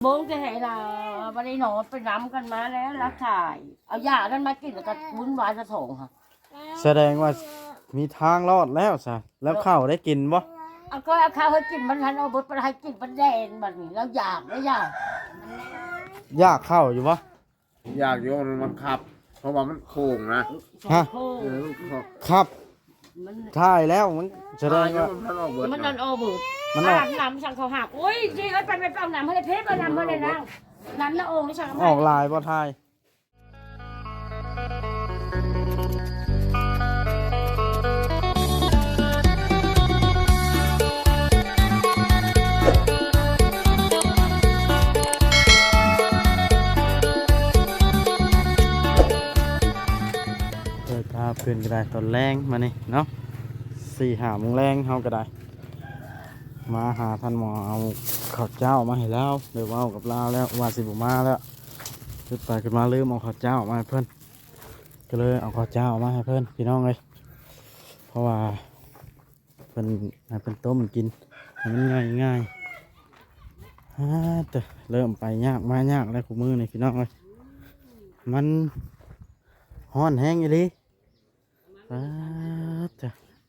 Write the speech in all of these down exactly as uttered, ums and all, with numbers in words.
โบงจะให้เราวันนี้หนอนไปน้ำกันมาแล้วรักถ่ายเอายาดันมากินแล้วก็วุ้นวายกระถงค่ะแสดงว่ามีทางรอดแล้วซะแล้วข้าวได้กินบ่เอาก็เอาข้าวให้กินมันทันเอาบดไปให้กินมันแดงแบบนี้แล้วอยากไม่อยากยากข้าวอยู่บ่อยากโยนมันขับเพราะว่ามันโค้งนะฮะครับถ่ายแล้วมันแสดงว่ามันนอนโอเบิร์ดมันอาบน้ำสั่งเขาหักโอ้ยจีเอ้ยไปไปเอาน้ำให้เพชรเอาน้ำให้เลยนะน้ำละองค์นี่สั่งออกลายบ่ถ่ายเปิดภาพขึ้นก็ได้ตอนแรงมานี่เนาะสี่หาโมงแรงเฮาก็ได้มาหาท่านหมอเอาข้าวเจ้ามาให้แล้วเดี๋ยวเอากับลาวแล้วว่าสิบมาแล้วขึ้นไปขึ้นมาลืมเอาข้าวเจ้ามาให้เพื่อนก็เลยเอาข้าวเจ้ามาให้เพื่อนพี่น้องเลยเพราะว่าเป็นให้เป็นต้มกินให้มันง่ายง่ายฮ่าเตะเริ่มไปยากมายากแล้วคู่มือนี่พี่น้องเลยมันฮ้อนแห้งอีหลีฮ่าเตะ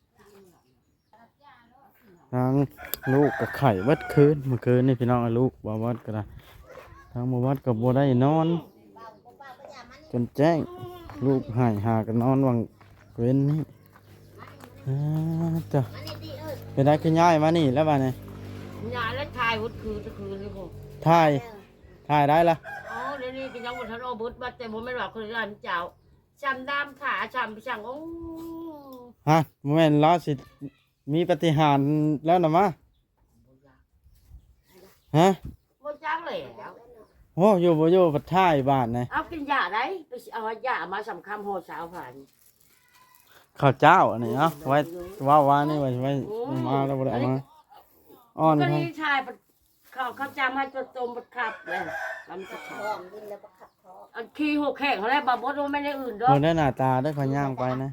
ทางลูกกับไข่วัดคืนเมื่อคืนนี่พี่น้องลูกบ่วัดก็ได้ทางบ่วัดกับบ่ได้นอนจนแจ้งลูกหายหากันนอนวังเว้นนี่จ้ะเป็นได้ขึ้นย้ายมานี่แล้วบ้านนี่ยาแล้วถ่ายวัดคืนจะคืนเลยผมถ่ายถ่ายได้ละอ๋อเดี๋ยวนี้กินยังวันทันโอเบิร์ตมาแต่ผมไม่บอกคนร้านเจ้าจำดำขาจำไปสั่งโอ้ฮะโมเมนต์ล้อสิมีปฏิหารแล้วนะมะฮะโมจังเลยโอ้อยู่บ่อยู่ปัดท่ายบ้านนะเอากินยาได้ไปเอายามาสำคัญโหดสาวผ่านข้าวเจ้าอันนี้เนาะไว้ว่าว่านี่ไว้ไว้มาแล้วบ่ได้มาอ้อนก็นี่ชายเขาเขาจำให้จนตมบัดขับเลยทำจะท้องกินแล้วบัดขับท้องอันขี้หกแข่งเขาแล้วบาบดไม่ได้อื่นด้วยเพิ่นได้หน้าตาได้ขย่างไปนะ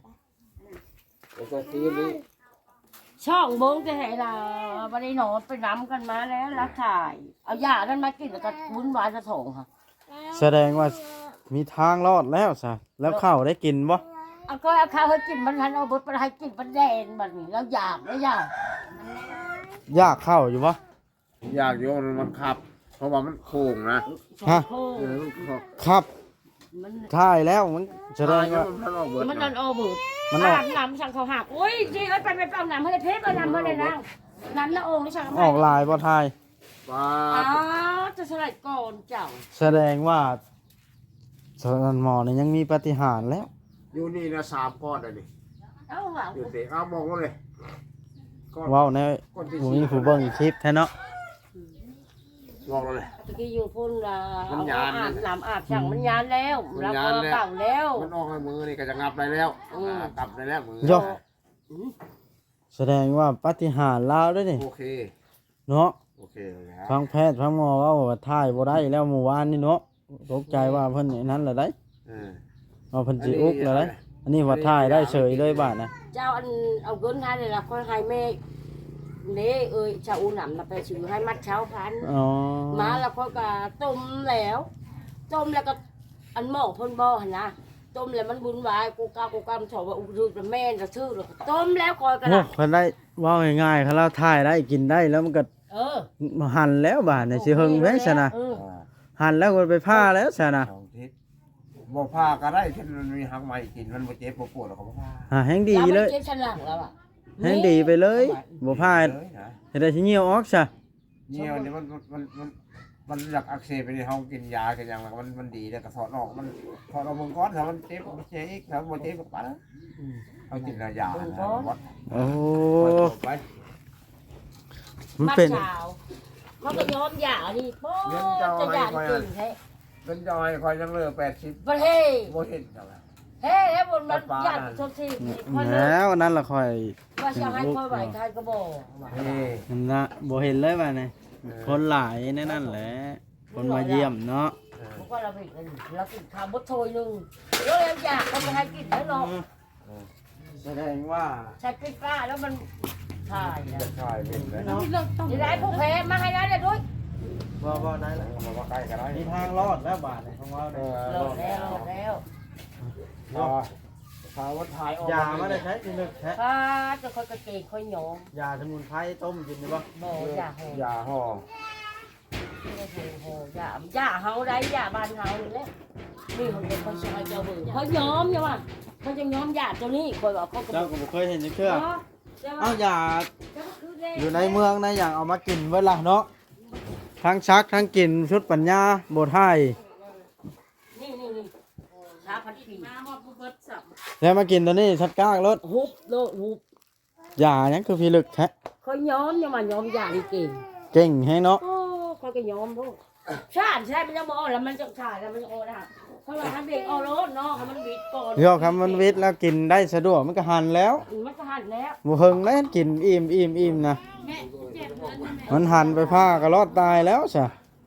ช่องโบงจะให้เราวันนี้หนอนไปน้ำกันมาแล้วรักถ่ายเอายาดันมากินแล้วก็วุ้นวายกระถงค่ะแสดงว่ามีทางรอดแล้วซะแล้วข้าวได้กินบ่เอาก็เอาข้าวให้กินมันทันเอาบดไปให้กินมันแดงแบบนี้แล้วอยากไม่อยากยากข้าวอยู่บ่อยากโยนมันขับเพราะว่ามันโค้งนะฮะครับถ่ายแล้วมันแสดงว่ามันนอนโอเบิร์ดอาบน้ำสั่งเขาหักโอ้ยจีเอ้ยไปไปเอาน้ำให้เพชรเอาน้ำให้เลยนะน้ำละองค์นี่สั่งออกลายบ่ถ่ายว้าอ๋อจะสลัดก่อนเจ้าแสดงว่าสนันหมอนี่ยังมีปฏิหารแล้วอยู่นี่นะสามก้อนเลยดิเอาหังอยู่เตะเอามองว่าเลยว้าวในหมูนี่ผู้เบิ้งคลิปแท้เนาะมองเลยตะกี้อยู่พุ่นเอาอาบน้ำอาบสั่งมันยานแล้วแล้วก็เก่าแล้วมันออกในมือนี่ก็จะงับได้แล้วกลับได้แล้วมือแสดงว่าปฏิหารลาวด้วยนี่โอเคเนาะโอเคทางแพทย์ทางหมอว่าถ่ายบ่ได้แล้วเมื่อวานนี่เนาะตกใจว่าเพิ่นนั้นแหละได้เอาเพิ่นสิอุกแล้วได้อันนี้ว่าถ่ายได้เฉยเลยบาดนะเจ้าอันเอาเงินให้เลยล่ะค่อยให้แม่เน่เอ้ยชาวอูหนำมาไปซื้อให้มัดเช้าพันมาแล้วค่อยก็ต้มแล้วต้มแล้วก็อันหม้อพ่นบ่อนะต้มแล้วมันบุญวายกูกากูกามถอดว่าอุดรแม่จะชื่อหรอกต้มแล้วคอยกันนะคนได้ว่าง่ายๆเขาเราถ่ายได้กินได้แล้วมันก็เออหั่นแล้วบาดเนี่ยสิเฮิงแม่ซะนะหั่นแล้วก็ไปผ้าแล้วซะนะบ่ผ้าก็ได้ที่มันมีหักใหม่กินมันบ่เจ็บบ่ปวดหรอกบ่ผ้าอ่าแห้งดีเลยเจ็บชั้นหลังแล้วอ่ะแห้งดีไปเลยบ่ผ้าเฮ็ดได้สิเหี่ยวออกซะเหี่ยวนี่มันมันมันมันหลักอักเสบไปที่เฮากินยากันอย่างมันมันดีแล้วก็ถอดออกมันถอดออกมึงก้อนถ้ามันเจ็บมันเจ็บอีกถ้าบ่เจ็บก็ปะเอากินยาโอ้ไปมันเป็นมันก็ยอมหย่านี่โป๊จะหย่าจริงแท้เป็นจอยคอยยังเหลือแปดสิบประเทศบ่เห็นจังล่ะเฮ้แล้วบนมันหย่าทุกทีแล้วนั่นล่ะค่อยว่าจะให้ค่อยไหวใครก็บ่เฮ้นั่นน่ะบ่เห็นเลยว่านี่คนหลายแน่นั่นแหละคนมาเยี่ยมเนาะพวกเราไปเรากินข้าวบดโถยนึงแล้วยังอยากเขาไปให้กินแล้วเนาะแสดงว่าใช้กิ๊กก้าแล้วมันถ่ายถ่ายเป็นแล้วนี่ไรพวกแพ้มาให้ได้เลยด้วยบ่บ่ได้แล้วมาว่าใกล้กันได้มีทางรอดแล้วบาทนี่ของเราเอเนี่ยอโหลดแล้วโหลดแล้วพอพาวัดถ่ายออกยามาได้ใช้ที่ลึกแท้ป้าจะค่อยกระเกงค่อยหยองยาสมุนไพรต้มกินได้บ่บ่อย่าโหยาห่อโอ้โหโหอย่าอย่าเฮาได้อย่าบ้านเฮานี่แหละนี่เขาเป็นคนซอยเจ้าเบิ่งเขาย้อมใช่ป่ะเขาจะย้อมยาตัวนี้คอยว่าเขาก็เจ้าก็บ่เคยเห็นจังเทื่อเนาะใช่ป่ะเอ้ายาเจ้าก็คือแดงอยู่ในเมืองนะอย่างเอามากินเวลาเนาะทั้งชักทั้งกินชุดปัญญาโบไทยนี่นี่นี่ชาพันปีมาฮอดผู้เบิดสับแล้วมากินตัวนี้ชัดก้ากรถฮุบโลดฮุบยายังคือพิลึกแท้เขาย้อมยังมาย้อมยาดีเก่งเก่งให้เนาะโอ้เขาก็ย้อมพวกชาติใช่มันจะบอกแล้วมันจะชาติแล้วมันจะโอ้นะเพราะว่าทำเด็กเอารถเนาะมันวิดก่อนเดี๋ยวคำมันวิทย์แล้วกินได้สะดวกมันก็หันแล้วมันก็หันแล้วบ่เฮิงแล้วกินอิ่มอิ่มอิ่มนะมันหันไปผ้าก็รอดตายแล้วซะ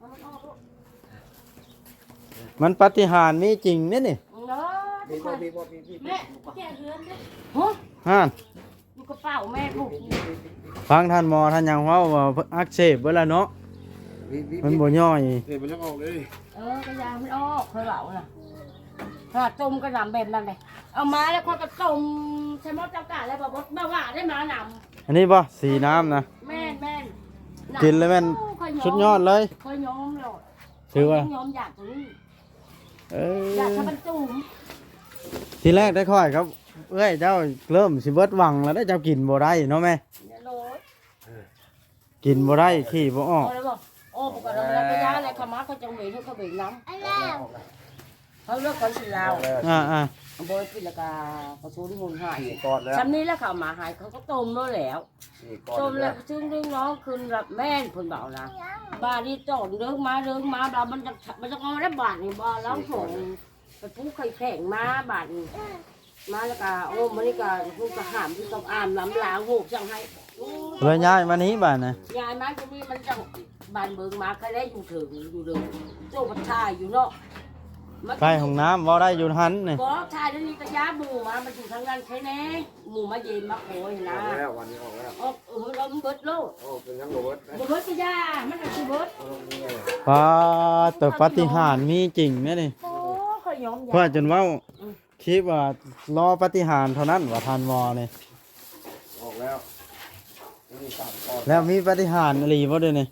มันปาฏิหาริย์มีจริงเนี่ยนี่เนาะมีบ่มีบ่มีมีแม่แก่เรือนเด้อฮะฮ่านอยู่กระเป๋าแม่ลูกฟังท่านหมอท่านยังเว้าว่าอักเสบเบิดแล้วเนาะมีมีมันบ่ย่อยเดี๋ยวมันจะออกเลยเออกระยามันออกเคยเบาน่ะถ้าต้มกระหน่ำแบบนั้นเลยเอามาแล้วเขาก็ต้มใช้มดเจ้ากาแล้วบอกว่าว่าได้มาหนอันนี้บ่สีน้ำนะำแม่นแม่นกินเลยแม่นสุดยอดเลยเคยย้อมเลยถือว่าย้อมอยากตรงนี้เออยากอทำมันจุ่มทีแรกได้ค่อยครับเอ้ยเจ้าเริ่มสิเบิดหวังแล้วได้เจ้ากินบ่ได้เนาะแม่เนี่ยโรยกินบ่ได้ขี้บ่ออกเอาเลยบอกโอ้ปกติเรากระยาอะไรขมาเขาจังเบยเขาเขาเบยน้ำเขาเลือกคนสีลาวอ่าอ่าโบยปิดแล้วก็กระชูนหุ่นหายสี่ก้อนแล้วชั้นนี้แล้วเขาหมาหายเขาก็ต้มแล้วแล้วสี่ก้อนต้มแล้แล้ว วซึ่งเรื่องน้องคืนรับแม่นคนเบานะบ้านนี้ต้นเรื่องมาเรื่องมาบ้ามันจะมันจะเอาได้บาทนี่บ้าแล้วส่งไปปุ๊ไข่แข็งมาบาทนี่มาแล้วก็โอ้มันนี่ก็พูดกระหามที่ต้องอ่านล้ำล้างหูจังให้เลยย้ายมานี้บ้านนะยายมาที่นี่มันจะบานเบิงมาใครได้อยู่ถึงอยู่เดิมโจ้ปัชายอยู่เนาะใกล้ห้องน้ำบ่ได้อยู่หันนี่ก็ชายนี่ก็ย้าหมูมามาอยู่ทางนั้นใช่ไหมหมูมาเย็นมาโอยนะออกแล้ววันนี้ออกแล้วออกเออเราเบิดโลดโอ้เป็นทั้งโรเบิร์ตนะบ่เบิดก็ยามันก็คือเบิดเอาลงนี่ไงปาแต่ปาฏิหาริย์มีจริงแม่นี่โอ้ค่อยยอมยาเพื่อจนเว่าคิดว่ารอปาฏิหาริย์เท่านั้นว่าทันมอนี่ออกแล้วนี่สามก้อนแล้วมีปาฏิหาริย์อะไรบ่ด้วยนี่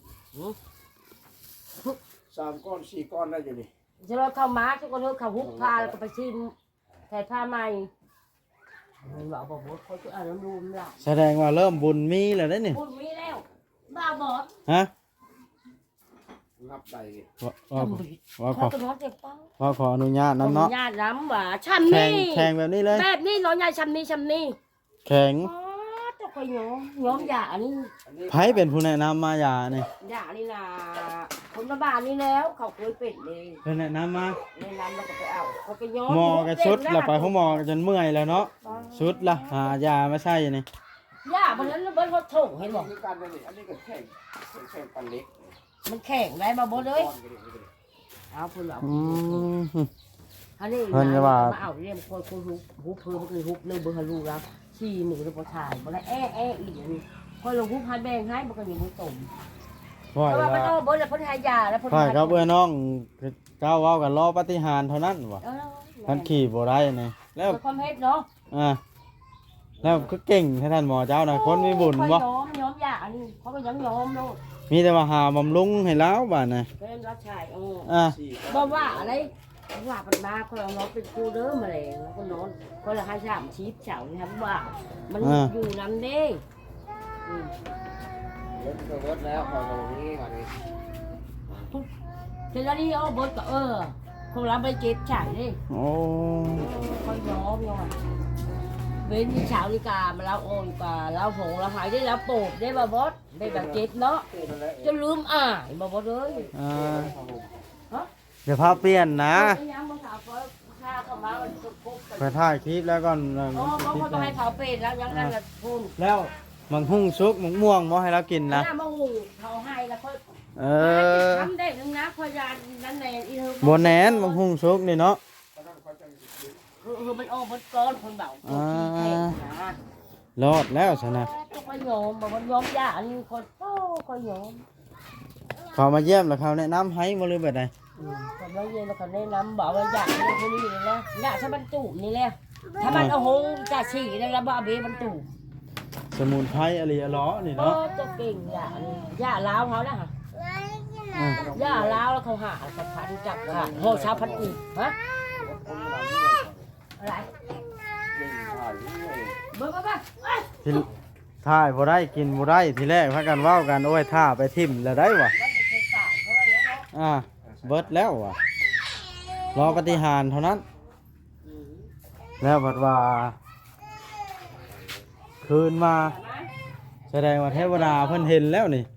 สามก้อนสี่ก้อนได้อยู่นี่จะรอเข้ามาทุกคนเขาฮุบพาแล้วก็ไปชิมใส่ผ้าใหม่มันบอกบอกว่าเขาจะอ่านน้ำรูมล่ะแสดงว่าเริ่มบุญมีแล้วเด้นี่พูดมีแล้วบ้าบอดฮะนับได้นี่ว่าว่าว่าขเขาอจะนอนเจ็บเป้าว่าขออนุญาตนํเนาะญาติน้ำหว่าชันแข่งนี่แข่งแบบนี้เลยแบบนี้น้องยายชันนี่ชันนี่แข่งอ๋อเจ้าก็ย้อมย้อมยาอันนี้อันนี้ไผเป็นผู้แนะนำมายานี่ยานี่นะคนละบ้านนี่แล้วเขาเคยเป็นเลยเพิ่นแนะนำมาในน้ำเราก็ไปเอาเขาก็ย้อมหมอก็ชุดแล้วไปของหมอก็จนเมื่อยแล้วเนาะชุดละหายามาใส่นี่ยาบนนั้นเบิ้ลเขาถูกเห็นบอกคือกันเลยนี่อันนี้ก็แข่งแข่งปันเล็กมันแข็งได้มาบนเลยก้อนก็ได้ก็ได้เอาคุณเอาอืมอันนี้เพิ่นก็ว่ามาเอาเรียมคนคนฮุบฮุบเพิ่มคือฮุบเลยเบอร์ฮารูแล้วชี้มือแล้วพอถ่ายบ่ได้แอะแอะอีกอย่างนี้พอลงฮุบให้แบ่งให้มันก็อยู่มือตุ่มพ่อเพราะว่ามันว่าเอาเบิ้ลแล้วเพิ่นให้ยาแล้วเพิ่นพ่อกับเอื้อน้องเจ้าเว้ากันรอปาฏิหาริย์เท่านั้นว่ะเออท่านขี่บ่ได้นี่แล้วเพื่อความเฮ็ดเนาะอ่าแล้วก็เก่งให้ท่านหมอเจ้านะคนมีบุญค่อยบ่ย้อมย้อมยาอันนี้เขาก็ย้อมย้อมโลดมีแต่ว่าหาบำรุงให้แล้วบาดนะเป็นรับชายโอ้อ่าสี่บ่ว่าอะไรว่าปันมาคนเอาน้องเป็นครูเด้อมาเลยแล้วก็นอนคนละให้สามชีพเฉานี่ครับว่ามันอยู่นำเด้อืมเบิร์ตก็เบิร์ตแล้วพอตรงนี้ก่อนนี่เสร็จแล้วนี่เอาเบดก็เออคงรับไปเก็บฉายดิโอ้คอยย้อมย้อมเว้นที่เช้านี่กามาแล้วโอ้ยกาแล้วผงแล้วหายได้แล้วโปบได้บ่บดได้แบบเก็บเนาะคือนั่นแหละจะลืมอ่านบ่บดเลยอ่าครับผมเดี๋ยวพาเปลี่ยนนะยังบ่สาวเขาข้าเข้ามามันจะปุ๊บไปถ่ายคลิปแล้วก่อนเอออ๋อเขาก็ต้องให้เขาเป็นแล้วยังนั่นละคุณแล้วมังหุ่งซุกมังม่วงบ่ให้เรากินนะหน้ามาหูเขาให้แล้วเขาเออทำได้นึงนะพยานนั่นแหละอีเธอบ่แหนนมังหุ่งซุกนี่เนาะคือคือมันออกมันก้อนคนเบาตัวขี้แข็งนะรอดแล้วซะนะต้องไปโยมบอกมันโยมยาอันนี้คนโอ้คนโยมเขามาเยี่ยมแล้วเขาแนะนำให้บ่หรือแบบใดก็ไม่เย็นแล้วก็แนะนำบอกว่าอยากเป็นคนนี้เลยนะอยากถ้ามันตูบนี่แหละถ้ามันเอาหงจะฉี่แล้วแล้วบ่เอาเบมันตูบสมุนไพรอะไรอะล้อนี่โอ้เนาะจะเก่งอย่านี่อย่าล้าวเขานะฮะอืมย่าล้าวแล้วเขาหาสะพานจับขาดโหชาวพันอีกฮะอะไรเบิ่งมาบ้างเอ้ยที่ถ่ายบ่ได้กินบ่ได้ทีแรกพากันเว้ากันโอ้ยท่าไปทิ่มแล้วได้วะมันจะเคยสายเขาเลยเนาะอ่าเบิดแล้ววะรอปฏิหารย์เท่านั้น แล้วบัดว่า คืนมา แสดงว่าเทวดาเพิ่นเห็นแล้วนี่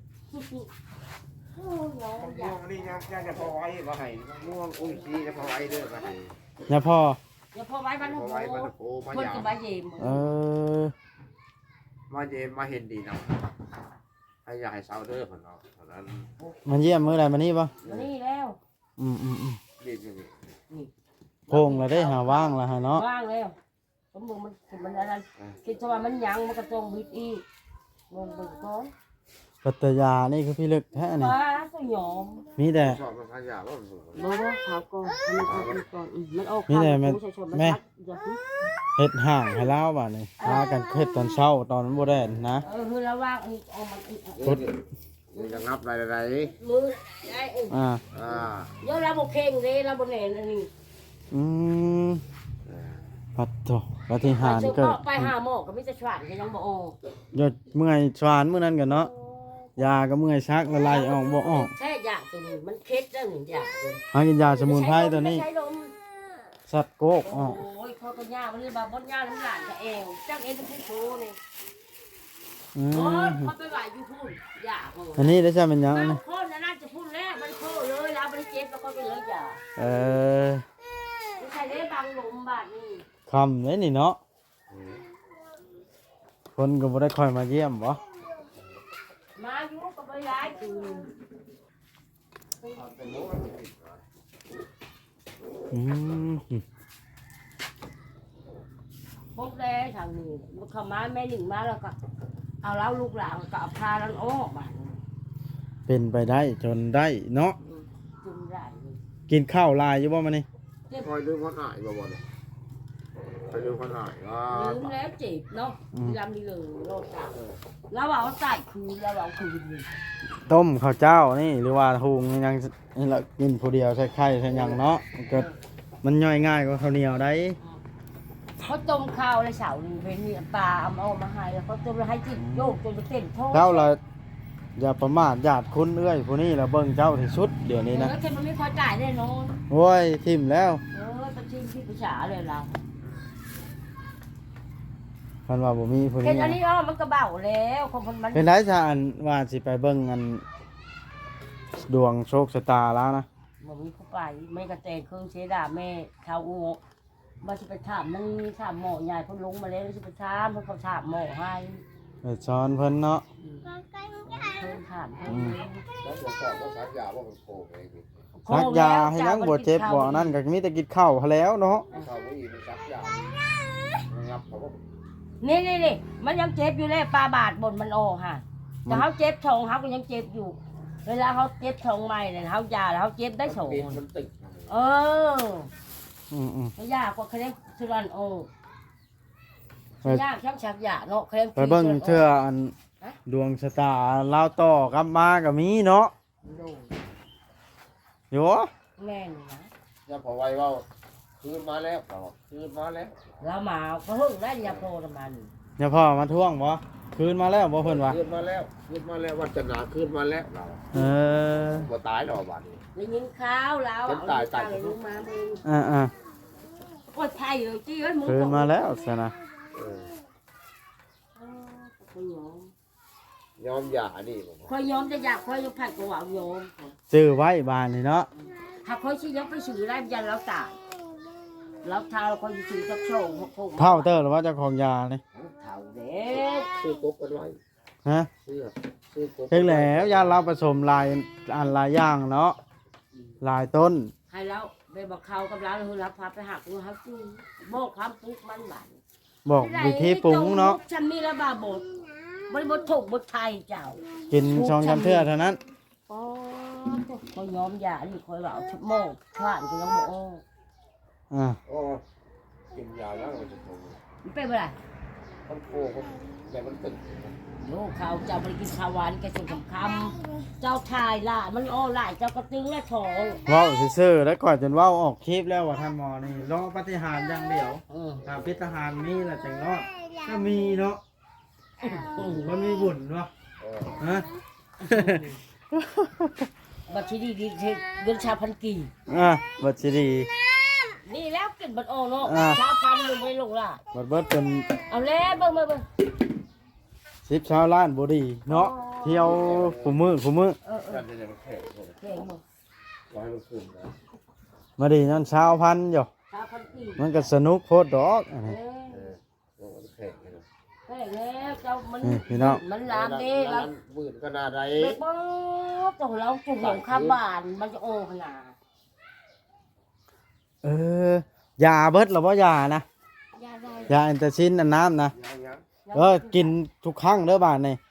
ม่วงนี่ยังยังจะพอไว้มาให้ม่วงอุ้ยซีจะพอไว้เด้อมาให้อย่าพออย่าพอไว้บ้านพโอ้อโหไว้มันโอ้มาคนยาจะมาเยี่ยมเออมาเยมมาเห็นดีนะให้ยายเศร้าเด้อคนเนาะตอนนั้นมันเยี่ยมมื้อใดมานี่บ่นี่แล้วอืมอืมอืมนี่นี่นี่โพงแล้วได้หาว่างแล้วฮะเนาะว่างแล้วสมมุติมันมันอะไรคิดว่ามันยังมันก็ต้องบิดอีกงงไปก่อนปัตตยานี่คือพี่ลึกแท้นี่ป้าก็ยอมมีแต่ชอบมันขยะว่ามันสูงบ่บ่ขาวก่อนมันออกก่อนมันออกนี่แหละแม่แม่เฮ็ดห่างให้เล่าบ่านี่พากันเฮ็ดตอนเช้าตอนมันบ่ได้นะเออคือระว่างอีกเอามันอีกนี่จะงับอะไรอะไรมือไอ้เอ้ยอ่าอ่าเดี๋ยวเราบ่เข่งเด้เราบ่แน่นอันนี้อืมปัดโตปฏิหารย์เกิดไปหาหมอก็มีแต่ชวานก็ยังบ่ออกยอดเมื่อยสวานมื้อนั้นกันเนาะยาก็เมื่อยชักละลายออกบ่ออกแท้ยาตัวนี้มันเค็ดแล้วหนึ่งยาตัวหากินยาสมุนไพรตัวนี้ใช้ลมสัตว์โกกอโอ้อกยเขาก็ยามันเลยบ่บ่ยาน้ำหลานกับเอวจังเอ็นเป็นผู้โชนี่อืโอ้ยมเขาไปไหวอยู่พุ่นยาโอ้อันนี้ได้ใช่เป็นหยังเอาอันนี้คนน่ะน่าจะพุ่นแล้วมันโคเลยแล้วบ่ได้เจ็บแล้วก็ไปเลยยาเออไม่ใช่ได้บางลมบาดนี่คำเลยนี่เนาะคนก็บ่ได้คอยมาเยี่ยมบ่มาอยู่ก็บ่ย้ายคืนอืมพวกแดทางนี้เขามาแม่หนึ่งมาแล้วก็เอาเล้าลูกหลานก็เอาพาแล้วออกบาดนี้เป็นไปได้จนได้เนาะจุ่มได้เลยกินข้าวลายอยู่บ่มานี่คอยลืมคนหายบ่บ่เนี่ยคอยลืมคนหายว่าลืมแล้วเจ็บเนาะลำนี้เลยโลดตาแล้วเอาใส่คืนแล้วเอาคืนเลยต้มข้าวเจ้านี่หรือว่าหุงยังนี่ละกินผู้เดียวใส่ไข่ใส่หยังเนาะมันก็มันย่อยง่ายกว่าข้าวเหนียวได้เขาต้มข้าวเลยเสาหนึ่งเป็นเนี่ยปลาเอาเอามาให้แล้วเขาต้มแล้วให้จิตโยกจนจะเต้นโทษเจ้าละอย่าประมาทญาติคุณเอ้ยผู้นี้ละเบิ่งเจ้าที่สุดเดี๋ยวนี้นะแล้วแค่มันไม่พอจ่ายแน่นอนโอ้ยทิ่มแล้วเออตะชิมที่ประชาเลยเราคันว่าบ่มีผู้เห็นี้นอันนี้อ๋อมันก็เบาแล้วของคนมันเป็นไรซะอันว่าสิไปเบิ่งอันดวงโชคชะตาแล้วนะมันมีผู้ไปไม่กระแตเครื่องเชดาแม่ชาวอูมาจะไปถามมันถามหมอใหญ่เพิ่นลงมาแล้วจะไปถามเพิ่นเขาถามหมอให้ไปสอนเพิ่นเนาะเพิ่นถามเพิ่นแล้วตรวจสอบว่าสัตว์ยาว่ามันโผล่เองซักยาให้ยังบ่เจ็บบ่นั่นก็มีแต่กินข้าวหั้นแล้วเนาะเขาไม่ยินสัตว์ยางับเขาก็นี่นี่นี่มันยังเจ็บอยู่เลยปลาบาดบนมันออกค่ะแต่เขาเจ็บท้องเขาก็ยังเจ็บอยู่ เวลาเขาเจ็บท้องใหม่เนี่ยเขายาแล้วเขาเจ็บได้สองปีนมันติดเอออืมอืมยากกว่าเคลมสุรันโอไปยากช่างชักยาเนาะเคลมไปเบิ่งเทื่ออันดวงชะตาลาวต่อกลับมาก็มีเนาะอยู่แม่นนะจะพอไว้ว่าคืนมาแล้วคืนมาแล้วเรามาก็เพิ่งได้ยาโปรมันอย่าพ่อมาท่วงบ่คืนมาแล้วบ่เพิ่นว่าคืนมาแล้วคืนมาแล้ววันจันทร์คืนมาแล้วเราเออบ่ตายหรอกบ้านนี้ได้ยินข้าวแล้วเอาลูกมาเองอ่าอ่าโอ้ยไทยเลยจี้เอ้ยมึงคืนมาแล้วซะนะเออคอยยอมยอมหย่านี่ผมคอยยอมจะอยากคอยยกผัดกว่ายอมซื้อไว้บ้านนี่เนาะถ้าคอยชี้ยกไปสื่อได้ยันเราตายเราเท้าเราคอยสื่อสักโชว์หกเท่าเตอร์หรือว่าเจ้าของยานี่เท่าเด็กซื้อกบกันไว้ฮะซื้อซื้อกบเพียงแล้วยาเราผสมลายอันหลายอย่างเนาะหลายต้นให้เราไปบอกเขากับเราเรารับพาไปหักดูเขาจูบอกความปุ๊กมันบานบอกวิธีปรุงเนาะฉันมีระบาบดบริบทถูกบทไทยเจ้ากินช่องจำเทื่อเท่านั้นโอ้ยคอยยอมยานี่คอยว่าชุบโมกผ่านก็ยังบ่ออกอ่าโอ้กินยาแล้วมันจะโตมันเป็นอะไรมันโคมันแต่มันตึงโยข้าวเจ้าไปกินข้าวหวานแกส่งคำคำเจ้าทายล่ะมันอ้อหลายเจ้ากระตึงและทองเว้าซื่อๆแล้วก่อนจนเว้าออกคลิปแล้วว่าท่านหมอนี่รอปฏิหารย์อย่างเดียวอืมถ้าพิธหารมีแหละจังรอดก็มีเนาะมันมีบุญเนาะเออฮะบัตรที่ดีดีเงินชาพันกี่อ่ะบัดสิดีนี่แล้วกินบัตรอ้อเนาะอ่าชาพันลงไปลงล่ะบัดเบิดเป็นเอาแล้วเบิ่งเบิ่งเบิ่งสิบชาวล้านบ่ดีเนาะเที่ยวคุมือคุมือเออเอนั่อนจะมันแข็งหมดเก่งบ่ร้อยมันขึ้นนะมาดีนั่นชาวพันอยู่ชาพันกี่มันก็สนุกโพดดอกอันเอนี้อเออโอ้มันแข็งเลยนะแก่แล้วเจ้ามันนี่พี่น้องมันลามเด้แล้วหมื่นก็น่าได้ไปป๊อบเจ้าเราจุ่มของข้าบ้านมันจะโอ้ขนาดเออยาเบิดหรือว่ายานะยาได้ยาแอนตาซินอันน้ำนะยังยังเออกินทุกครั้งเด้อบาดนี่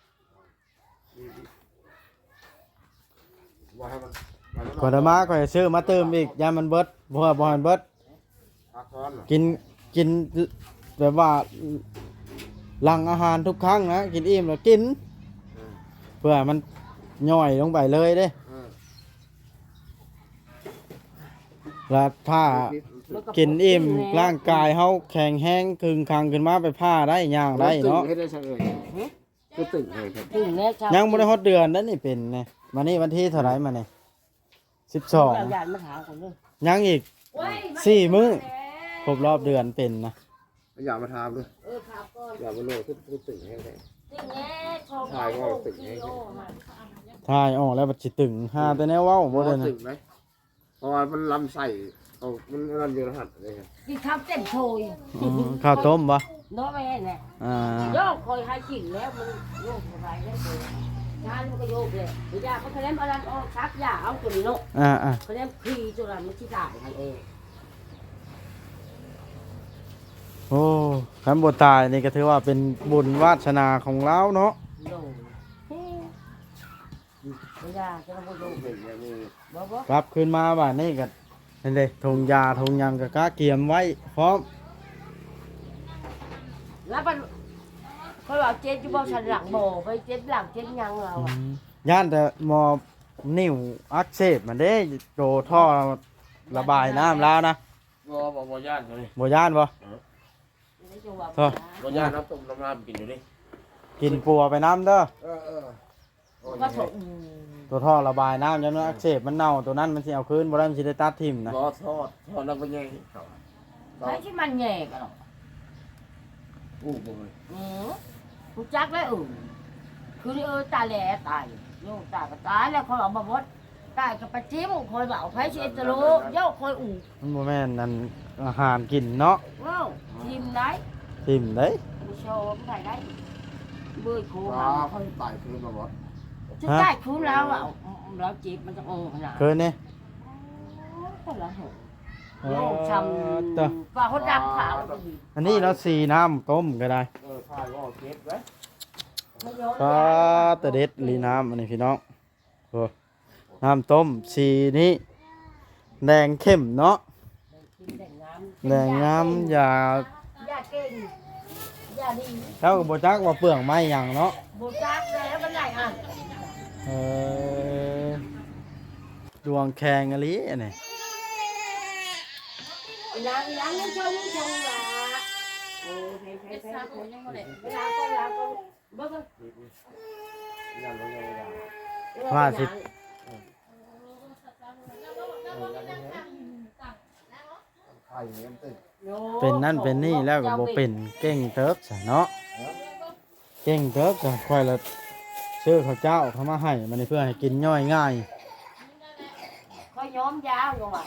ว่าให้มันมันก่อนจะมาก็จะซื้อมาเติมอีกยามันเบิดบ่ว่าบ่ให้มันเบิดพักร้อนเหรอกินกินแบบว่าหลังอาหารทุกครั้งนะกินอิ่มแล้วกินอืมเพื่อมันย่อยลงไปเลยเด้อืมแล้วถ้ากินอิ่มร่างกายเฮาแข็งแรงคึงคังขึ้นมาไปผ้าได้ย่างได้เนาะตึงให้ได้ใช่เลยก็ตึงเลยครับถึงแม่ชายังบ่ได้ฮอดเดือนนั่นนี่เป็นไงมานี่วันที่เท่าไหร่มานี่สิบสองยานมาถามคนนึงยังอีกสี่มื้อครบรอบเดือนเป็นนะอย่ามาทำเลยเออครับก่อนอย่ามาโลดขึ้นขึ้นตึงให้ได้ติงแง่ชมถ่ายก็ติ่งแง่ทายออกแล้วบัดสิตึงหาแต่แนวเว้าบ่ได้นะตึงไหมเพราะว่ามันลำไส้เอามันรันอยู่รหัสเลยครับกินข้าวเต็มโชยอืมข้าวต้มบ่น้องแม่เนี่ยอ่าโยกคอยให้กินแล้วมันโยกอะไรแล้วเลยงานมันก็โยกเลยยาเขาคะแนนอะไรออกชักยาเอาตัวนี้เนาะอ่าอ่าคะแนนคลีตัวนั้นมันที่ได้ให้เองโอ้คันบ่ตายนี่ก็ถือว่าเป็นบุญวาสนาของเราเนาะโดนยาจะมาโยกหนึ่งอย่างนี้บ่บ่กลับคืนมาบ้านนี่ก็นั่นเด้ทงยาทงหยังก็กะเกียมไว้พร้อมแล้วมันเขาบอกเจ็ดอยู่บ่ฉันหลังบ่ไปเจ็ดหลังเจ็ดยังเราอ่ะย่านแต่หมอนิ่วอักเสบมันเด้โตท่อระบายน้ำแล้วนะบ่บ่บ่ย่านเลยบ่ย่านบ่ โทษบ่ย่านน้ำต้มน้ำน้ำกินอยู่ดิกินปัวไปน้ำเด้อเออเออก็ถกตัวท่อระบายน้ำยันมันอักเสบมันเน่าตัวนั้นมันสิเอาคืนบ่ได้มันสิได้ตัดทิ่มนะรอทอดทอดแล้วก็ยังใช้ที่มันแง่กันหรอกอู้บ่เลยอือรู้จักแล้วอือคือเออตาแหล่ตายโยกตาก็ตายแล้วเขาเอามาบดตายกับปะจิ้มคอยเบาไผสิตะโลโยกคอยอู่มันบ่แม่นนั่นอาหารกินเนาะเว้าทิมได้ทิ่มเด้ผู้ชมได้ได้เบื่อโคปลาหาค่อยตายคืนมาบ่จะได้คืนแล้วอ่ะเราจีบมันจะโอ้ขนาดเคยนี่แต่ละหัวเอโยอกช้เด้อำปลาเขาดักขาวอันนี้เนาะสีน้ำต้มก็ได้เออทายว่าเก็บไว้ไม่โยนก็ตะเด็ดลีน้ำอันนี้พี่น้องโอ้น้ำต้มสีนี้แดงเข้มเนาะแดงงามแดงงามอย่ายาเก่งยาดีเท่ากับโบจักว่าเปลืองไม้หยังเนาะโบจักแล้วมันไหนอ่ะเออดวงแข็งอะไรอันนี้นางนางยังชงชงละโอ้เพลเพลเพลเวลาก็เวลาก็เบิ่งยันลงเลยได้ว่าสิทายอย่างนี้มันตึงเป็นนั่นเป็นนี่แล้วก็บ่เป็นเก่งเติบซะเนาะเก่งเติบซะค่อยละซื้อข้าวเจ้าเขามาให้มันนี่เพื่อให้กินย่อยง่ายเขาย้อมยาวลงมา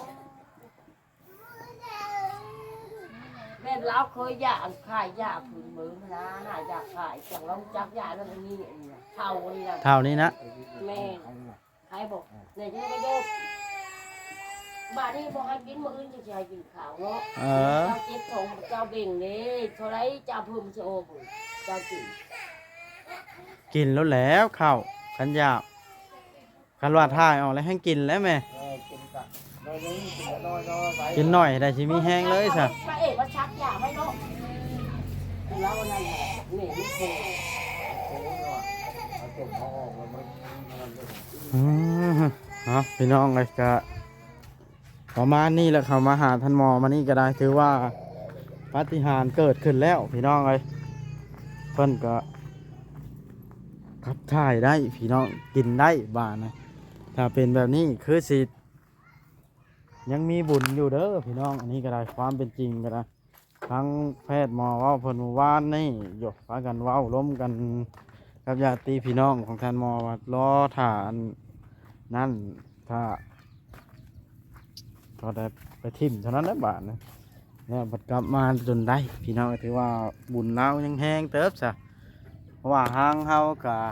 แม่เราเคยยาขายยาผืนมือนะหายาขายจังเราจักยานั่นนี่เท่านี่นะเท่านี้นะแม่ใครบอกเนี่ยจะไม่โยกบ้านนี้บอกให้กินมื้ออื่นจะใช้กินข้าวเนาะเออเจ้าเจ็บท้องเจ้าเบ่งนี่เท่าไรเจ้าเพิ่มจะโอ้บุเจ้ากินกินแล้วแล้วข้าวขันยาขคันว่าถ่ายออกแล้วให้กินแล้วแม่เออกินกะน้อยนึงกินน้อยน้อยไปกินหน่อยได้สิมีแห้งเลยซะพระเอกว่าชักยาให้เนาะแล้ววันนั้นเนี่ยไม่เคยโอ้ยว่ะเอาจบเขาออกแล้วมันมันจะอืมเนาะพี่น้องเลยก็ประมาณนี้แหละเขามาหาท่านหมอมานี่ก็ได้ถือว่าปาฏิหาริย์เกิดขึ้นแล้วพี่น้องเลยเพิ่นก็ขับถ่ายได้พี่น้องกินได้บ้านนะถ้าเป็นแบบนี้คือสิยังมีบุญอยู่เด้อพี่น้องอันนี้ก็ได้ความเป็นจริงก็ได้ทั้งแพทย์หมอเว่าเพิ่นเมื่อวานนี่หยกพากันเว้าล้มกันกับญาติพี่น้องของท่านหมอว่ารอฐานนั่นถ้าก็ได้ไปทิ่มเท่านั้นแหละบาทนะเนี่ยบัดกลับมาจนได้พี่น้องก็ถือว่าบุญเรายังแห้งเติบซะเพราะว่าห้างเฮากะ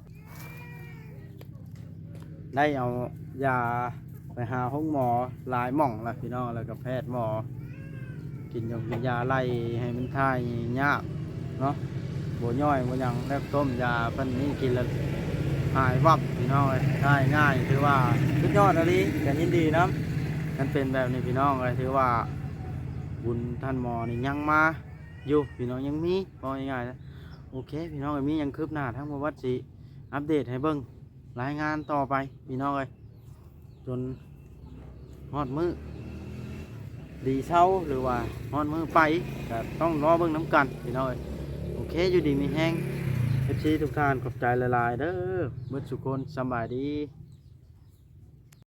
ได้เอายาไปหาห้องหมอหลายหม่องแล้วพี่น้องแล้วก็แพทย์หมอกินยากินยาไล่ให้มันทายยากเนาะบัวย่อยบัวยังแล้วต้มยาเพิ่นนี่กินแล้วหายวับพี่น้องเลยทายง่ายถือว่าสุดยอดอะไรกันยินดีนะมันเป็นแบบนี้พี่น้องเลยถือว่าบุญท่านหมอนี่ยังมาอยู่พี่น้องยังมีพอง่ายๆนะโอเคพี่น้องมียังคืบหน้าทั้งหมดวัดสิอัปเดตให้เบิ่งรายงานต่อไปพี่น้องเลยจนฮอดมือดีเช้าหรือว่าฮอดมือไปก็ต้องรอเบิ่งน้ำกันพี่น้องเลยโอเคอยู่ดีมีแห้งเอฟซีทุกท่านขอบใจหลายๆเด้อเมื่อสุกคนสำบายดี